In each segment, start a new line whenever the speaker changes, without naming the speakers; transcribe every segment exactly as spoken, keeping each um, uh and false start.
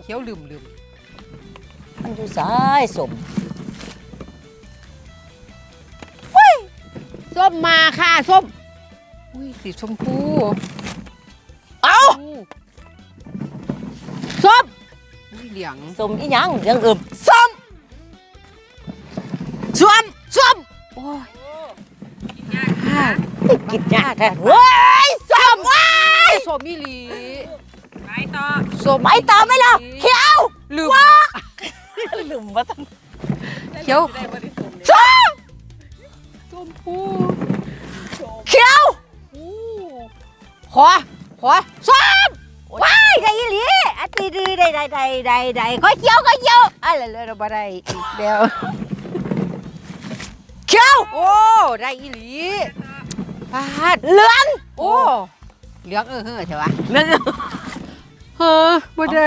เขียวลืมลืม
มันอยู่ซ้ายสม
ส้มมาค่ะส้มอุ้ยสีชมพูเอ้าส้มอุ้ยเหลือง
สมอีหยังยังอึบส้มส้มส้ม
โอ้ย
กินยากแท้เฮ้ยส้มว้าย
ส้มมีหลี
ไปต่อ
ส้ม
ไปต่อไหมล่ะเขียว
ลืม
ลืมว่าต้อง
เขียว
ได้บริสุทธิ์
ส้ม
ส้มพู
เขียว
ขอขอส้ม
ว้ายได้อีหลีอันดีดีได้ได้ได้ได้ได้ก็เขียวก็เขียว
อะไรเลยเราบ่ได้อีกเดียว
เขียว
โอ้ได้อีหลีปาด
เหลือง
โอ้เหลืองเออเฮ้อใช่ปะ
เหลือง
เฮ้อบ่ได้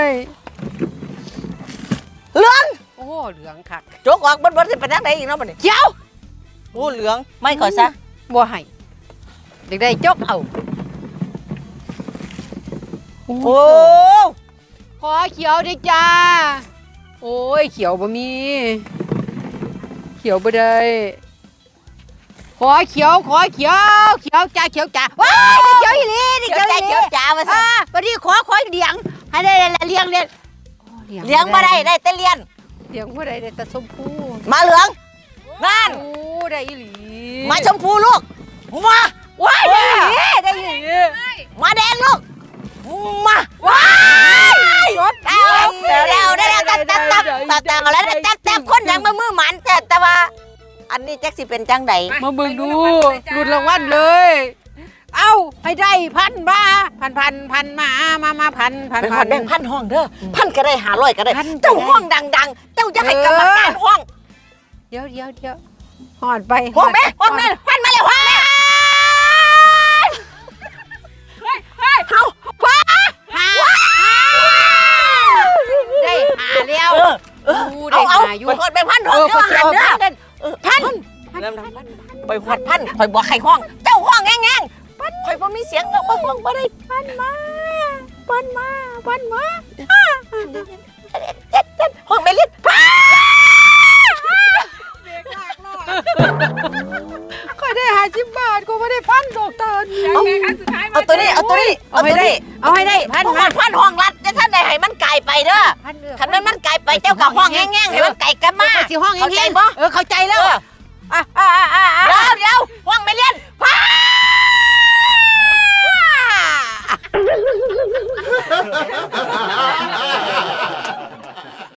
เหลือง
โอ้เหลืองคัก
โจกออกบนบนสิเป็นทางไหนอีกเนาะบัดนี้
เขียว
โอ้เหลืองไม่ขอซะ
บ่ให้เด็กได้จกเอา
โอ้
ขอเขียวด้วยจ้าโอ้ยเขียวบ่มีเขียวบ่ได้ขอเขียวขอเขียวเขียวจ้าเขียวจ้าว้ายเขียวอีหลีนี่
เขี
เขี
ย
ยว วอีหลี
เขียวจ๋ามาซะ
อ่าวันนี้ขอขอเหลียงให้ได้เลี้ยงเลี้ยงโอ้
เหลืองมาได้ได้แต่เลียน
เหลียงบ่ได้ได้แต่ชมพู
มาเหลืองนั่น
โอ้ได้อีหลี
มาชมพูลูกมา
ว้ายได้อีหลีได้อีหลี
มาแดงลูกมา
ว้าย
เดี๋ยวเดี๋ยวเดี๋ยวเดี๋ยวตับตับตับตับตับเอาแล้วตับตับคนยังมามือหมันแต่แต่ว่า อันนี้แจ็คสิเป็นจังใด
มาเบิ่งดูลุ้นรางวัลเลยเอ้าให้ได้พันมาพันพันพันมามามาพันพัน
เป็น
พั
พั
น
นแบ่งพันห้องเด้อพันก็ได้หาร้อยก็ได้
พันก็ได้
เจ้าห้องดังๆ เจ้าจะให้กรรมการห้อง
เดี๋ยวเดี๋ยวเดี๋ยวหอดไป
ห้องแม่ห้องแม่พันมาแล้วห้องแม่
เฮ้ยเฮ้ย
เอาว้า
หาได้หาแล้ว
เออเออ
ดูได้
เอาเอา
หาอยู่
ไปหอดไปพันห้
เอ
อง
อ
เด้
เขา
อ
จะ
หัน
เอา
เด้อ
พัน
เออพันไปหอดพันคอยบอกใครห้อง เจ้าห้องแง่งๆพันคอยบ่มีเสียงเราก็ห้องบ่ได้พันมาพันมาพันมาห้องไม่เล่นพัน
เบรกลากรอด
ก็ได้หาสิบบาทก็ไม่ได้พันดอกตาล
เอาแม่ครั้งสุดท้ายมา
เอาตัวนี้เอาตัวนี้
เอาให้ได้เอาให้ได้พั
พั
น
น
มา
พันห้องรัดจะท่านใดให้มันไก่ไปเด้อ
พันเด้อ
คันนั้นมันไก่ไปเจ้ากับห้องแง่งๆให้มันไก่กันมา
สิห้อง
เข้าใจ
แห้ง
บ่
ๆเออเข้าใจ
เอ
แล้ว
อ
อ่ะอ่ะอ่ะอ่ะอ่ะ
เดี๋ยวเดี๋ยวห้องไม่เล่นพัน